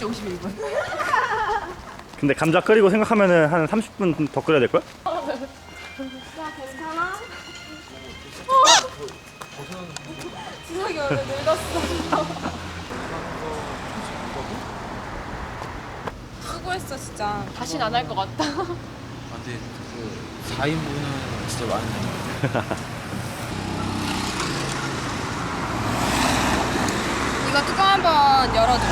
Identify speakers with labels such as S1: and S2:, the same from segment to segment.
S1: 9시 51분.
S2: 근데 감자 끓이고 생각하면은 한 30분 더 끓여야 될걸?
S3: 야 괜찮아? 지석이 얼굴 늙었어. 수고했어 진짜.
S1: 다신 안 할 것 같다.
S4: 근데 그 4인분은 진짜 많네.
S3: 이거 뚜껑 한번 열어줘.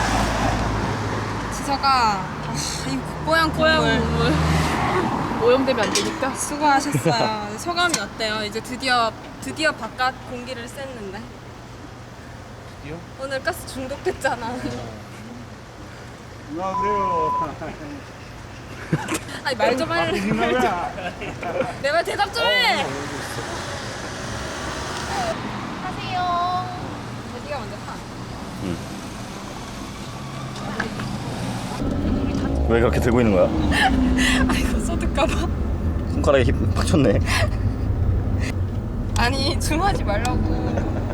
S3: 지석아, 이 뽀얀 국물.
S1: 오염되면 안 되니까.
S3: 수고하셨어요. 소감이 어때요? 이제 드디어 바깥 공기를 쐈는데.
S4: 드디어?
S3: 오늘 가스 중독됐잖아.
S5: 아 그래요.
S3: 아니 말 좀 할래. 내 말 대답 좀 해.
S1: 하세요.
S3: 네가 먼저 타.
S2: 왜 그렇게 들고 있는 거야?
S3: 아이고 쏟을까봐.
S2: 손가락에 힘 빡쳤네.
S3: 아니 줌하지 말라고.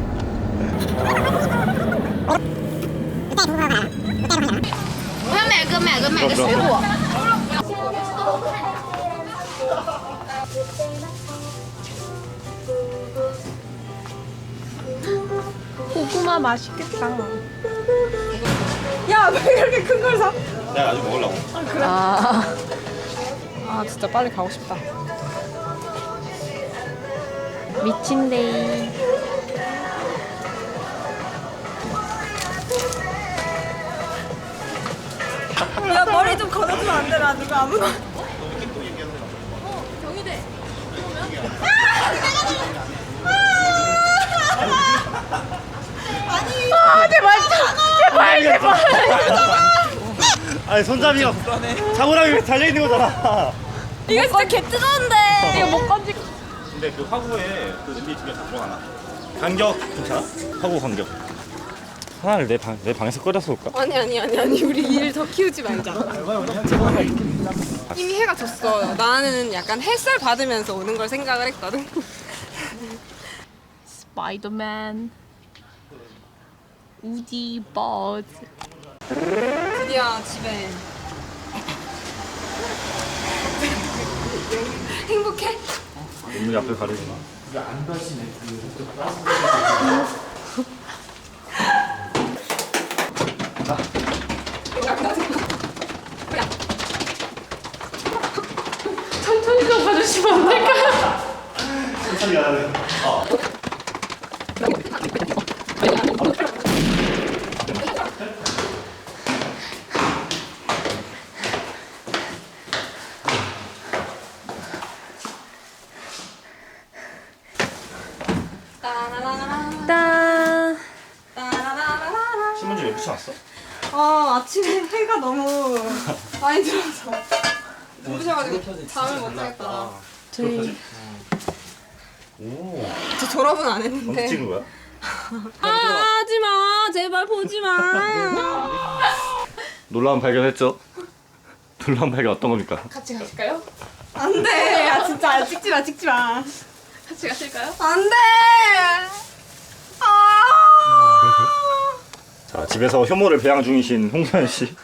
S1: 고구마 맛있겠다.
S3: 야, 왜 이렇게 큰 걸 사?
S2: 내가 아직 먹으려고.
S3: 아, 진짜 빨리 가고 싶다.
S1: 미친데이.
S3: 야, 머리 좀 걷어주면 안 되나? 누가 아무나.
S2: 아니 손잡이가 자고랑이 달려있는 거잖아.
S3: 이거 진짜 개 뜨거운데.
S1: 이거 못 건지.
S2: 근데 그 화구에 그 냄비 두 개 다 들어가나? 간격 괜찮아? 화구 간격. 하나를 내 방에서 끓여서 올까?
S3: 아니. 우리 일 더 키우지 말자. 이미 해가 졌어. 나는 약간 햇살 받으면서 오는 걸 생각을 했거든.
S1: 스파이더맨. 우디 버즈.
S3: 드디어 집에. 행복해?
S2: 눈물이 앞을 가리구나.
S4: 이게 안 다시네.
S1: 천천히 좀 가주시면 안 될까요?
S2: 천천히 가야 돼.
S3: 따라라라.
S1: 딴.
S3: 따라라라라.
S2: 신문지 왜 붙여놨어?
S3: 아, 아침에 해가 너무 많이 들어서 눈부셔가지고 잠을 못 자겠다.
S1: 저희
S2: 오.
S3: 저 졸업은 안
S2: 언제
S3: 했는데.
S2: 찍은 거야?
S3: 아, 하지마. 제발 보지마.
S2: 놀라운 발견했죠? 놀라운 발견 어떤 겁니까?
S1: 같이 가실까요?
S3: 안 돼. 야, 진짜 찍지 마.
S1: 같이 가실까요?
S3: 안 돼. 아.
S2: 자, 집에서 효모를 배양 중이신 홍소연 씨.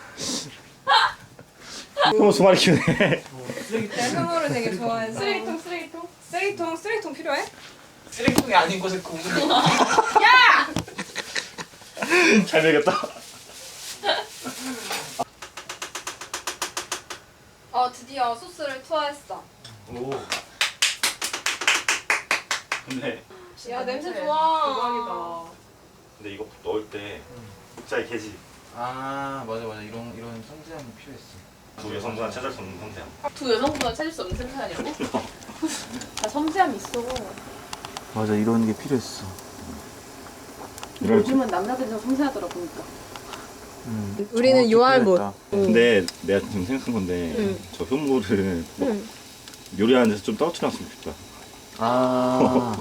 S2: 효모 두 마리 키우네.
S3: 내가 흐모를 되게 좋아해서. 쓰레기통 필요해?
S4: 쓰레기통이 아닌 곳에 구운.
S2: 잘 먹였다.
S3: 드디어 소스를 투하했어.
S2: 오. 근데
S3: 야, 냄새 좋아.
S1: 대박이다.
S2: 근데 이거 넣을 때 국자의 계지.
S4: 아 맞아 이런 섬세함이 필요했어.
S2: 두 여성분한 찾을 수 없는 상태야.
S1: 두 여성보다 찾을 수 없는 생산이라고? 나 섬세함 있어.
S4: 맞아 이런 게 필요했어.
S1: 요즘은 남자들이 더 섬세하더라 보니까.
S3: 우리는 요알못.
S2: 근데 내가 지금 생각한 건데 저 효모를 뭐 요리하는 데서 좀 떨어뜨렸으면 좋겠다.
S4: 아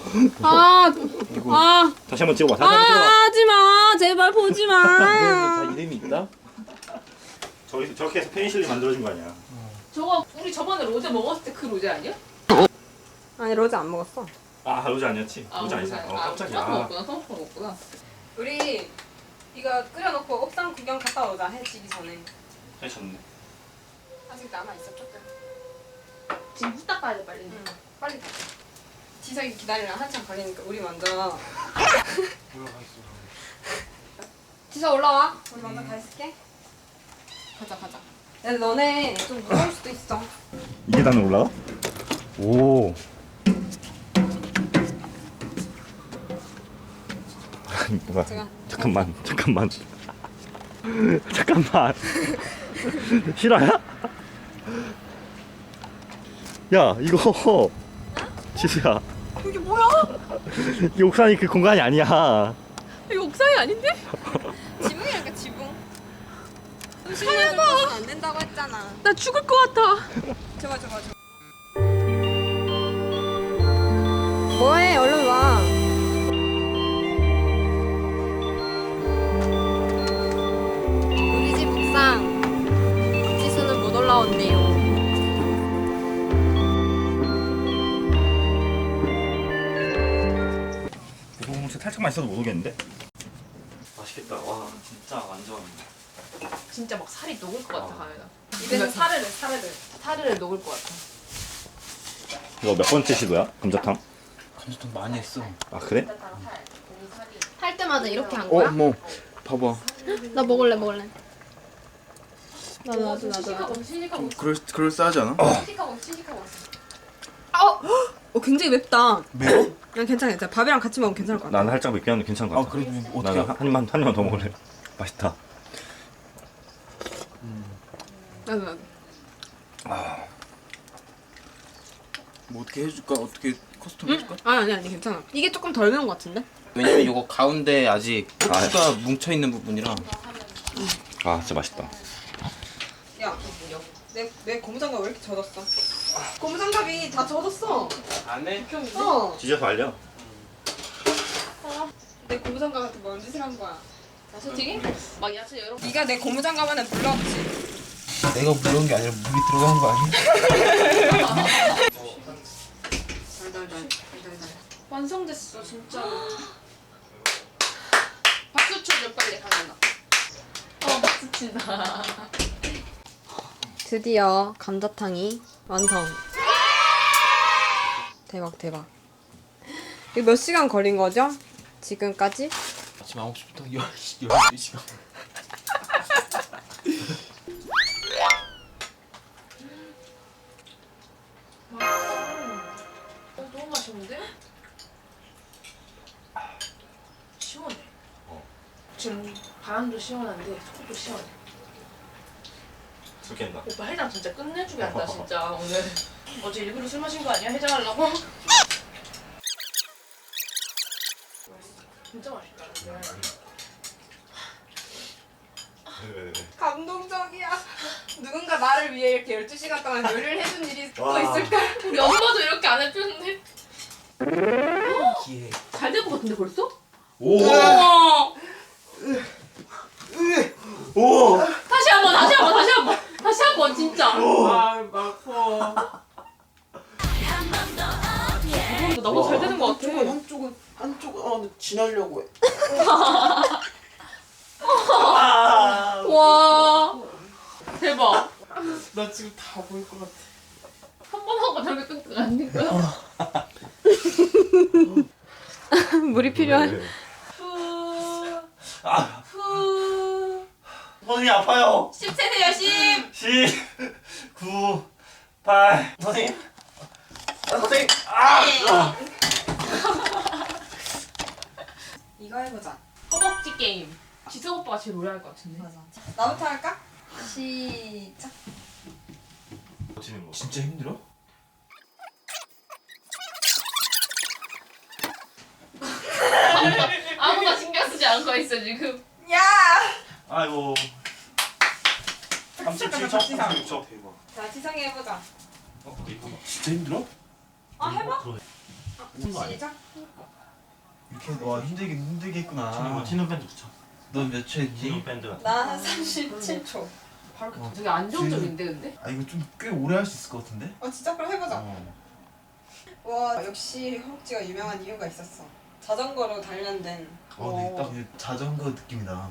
S2: 다시 한번 찍어봐. 다시 한번 찍어봐.
S3: 하지마. 제발 보지마.
S4: 다 이름이 있다?
S2: 저렇게 해서 페니실린 만들어준 거 아니야?
S1: 저거 우리 저번에 로제 먹었을 때 그 로제 아니야?
S3: 아니, 로제 안 먹었어.
S2: 아 로제 아니었지? 로제 아니지?
S1: 로제.
S2: 깜짝이야.
S1: 처음 먹었구나.
S3: 우리 이거 끓여놓고 옥상 구경 갔다 오자. 해 지기 전에.
S2: 해 졌네.
S3: 아직 남아 있어 조금.
S1: 지금 후딱 가야 돼 빨리.
S3: 응. 빨리 가자. 지석이 기다리려 한참 걸리니까 우리 먼저.
S4: 올라가 있어.
S3: 지석 올라와. 우리 먼저 가 있을게. 가자. 야 너네 좀 무서울 수도 있어.
S2: 이게 단에 올라가? 오. 아니 뭐야? 잠깐만. 잠깐만. 실화야? 야 이거 지수야.
S3: 이게 뭐야?
S2: 이 옥상이 그 공간이 아니야.
S1: 이거 옥상이 아닌데?
S3: 지붕이랄까 지붕. 실내를 봐서는 안 된다고 했잖아.
S1: 나 죽을 것 같아.
S3: 저거. 뭐해? 얼른 와. 우리 집 옥상. 지수는 못 올라온대요.
S2: 고소공무새 살짝만 있어도 못 오겠는데? 맛있겠다. 와 진짜 완전.
S1: 진짜 막 살이 녹을 것 같아 가연아.
S3: 입에서 사르르.
S1: 살을 녹을 것 같아.
S2: 이거 몇 번째 시도야? 감자탕?
S4: 감자탕 많이 했어.
S2: 아 그래?
S1: 할 때마다 이렇게 한 거야?
S4: 뭐 봐봐.
S1: 나 먹을래. 나도.
S3: 시식하고
S4: 그럴싸하지 않아?
S3: 시식하고. 굉장히 맵다.
S4: 매워?
S3: 그냥 괜찮아. 밥이랑 같이 먹으면 괜찮을 것 같아.
S2: 나는 살짝 맵긴 한데 괜찮은 것
S4: 아
S2: 같아.
S4: 그러면
S2: 나는
S4: 어떻게?
S2: 한 입만 더 먹을래. 맛있다.
S3: 나도.
S4: 뭐 어떻게 해줄까? 어떻게 커스텀 해줄까?
S3: 아니 괜찮아. 이게 조금 덜 매운 것 같은데?
S4: 왜냐면 이거 가운데 아직
S2: 아.
S4: 후추가 뭉쳐 있는 부분이라.
S2: 아 진짜 맛있다.
S3: 야, 내 고무장갑 왜 이렇게 젖었어? 고무장갑이 다 젖었어.
S4: 안 해?
S2: 지져서 알려.
S3: 내 고무장갑한테 뭔 짓을 한 거야?
S1: 야채튀김? 막 야채 여러.
S3: 네가 내 고무장갑 안에 물 넣었지?
S4: 내가 물은 게 아니라 물이 들어간 거 아니야?
S3: 달달달.
S1: 완성됐어 진짜. 박수 쳐줘 빨리 가연아. 박수 친다.
S3: 드디어 감자탕이 완성. 대박. 이거 몇 시간 걸린 거죠? 지금까지?
S4: 아침 9시부터 12시간.
S1: 너무 맛있는데? 시원해. 지금 바람도 시원한데 속도 시원해.
S2: 술 깬다.
S1: 오빠 해장 진짜 끝내주게 한다 진짜 오늘. 어제 일부러 술 마신 거 아니야? 해장하려고? 진짜 맛있다.
S3: 감동적이야. 누군가 나를 위해 이렇게 12시간 동안 요리를 해준 일이 또
S2: 와.
S3: 있을까?
S1: 우리 엄마도 이렇게 안 해주는데?
S4: 기회.
S1: 잘 된 거 같은데 벌써?
S2: 오.
S1: 우와!
S2: 오.
S1: 다시 한 번 진짜.
S4: 아 아파.
S1: 이거 너무 잘 되는 거 같아.
S4: 한쪽은 지나려고 해.
S1: 와 대박.
S4: 나 지금 다 보일 것 같아.
S1: 한 번 하고 저렇게 끙끙 안 될 거야?
S3: 물이 필요한.
S2: 아
S1: 후.
S2: 선생님 아파요.
S1: 10세세요 10.
S2: 10, 9, 8. 선생님. 선생님.
S3: 이거 해보자.
S1: 허벅지 게임. 지석 오빠가 제일 오래 할 것 같은데.
S3: 맞아. 나부터 할까? 시작.
S2: 버티는 거.
S4: 진짜 힘들어?
S1: 아무나 신경 쓰지 않고 있어 지금.
S3: 야!
S2: 아이고. 37초. 36초. 대박.
S3: 자, 지성이 해보자.
S4: 진짜 힘들어?
S3: 아, 해봐.
S2: 거 아니야?
S3: 시작.
S4: 이렇게 와 힘들겠구나.
S2: 버티는 밴드 붙여.
S4: 넌 몇 초했지?
S2: 버티는 밴드가.
S3: 나 37초.
S1: 바로 되게 안정적인데 근데?
S4: 아 이거 좀 꽤 오래 할 수 있을 것 같은데?
S3: 진짜? 그럼 해보자. 와, 역시 허벅지가 유명한 이유가 있었어. 자전거로 단련된.
S4: 근데 딱 그냥 자전거 느낌이다.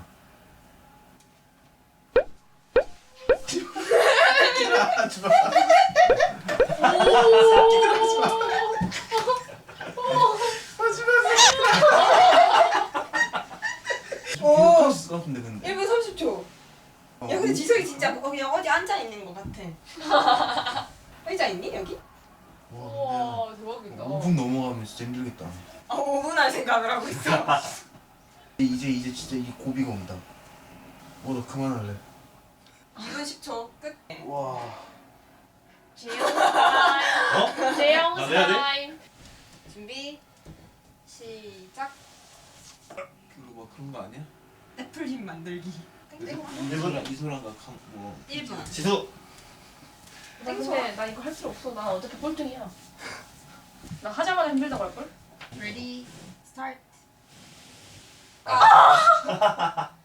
S4: 하지 마.
S3: 오.
S4: 할수 같은데 근데.
S3: 1분 30초. 야 근데 지석이 진짜 그냥 어디 앉아 있는 것 같아. 의자 있니 여기?
S1: 우와 대박이다.
S4: 5분 넘어가면 진짜 힘들겠다.
S3: 5분 할 생각을 하고 있어.
S4: 이제 진짜 이 고비가 온다. 너 그만할래.
S3: 2분 10초 끝.
S4: 와.
S1: 재영 타임. 재영
S2: 나 내야 돼?
S1: 타임.
S3: 준비 시작.
S4: 그거 뭐 그런 거 아니야?
S3: 애플힘 만들기.
S4: 이소랑가 뭐
S3: 1분.
S2: 지수.
S1: 나 근데 나 이거 할 필요 없어. 나 어차피 꼴등이야. 나 하자마자 힘들다고 할걸?
S3: Ready, start.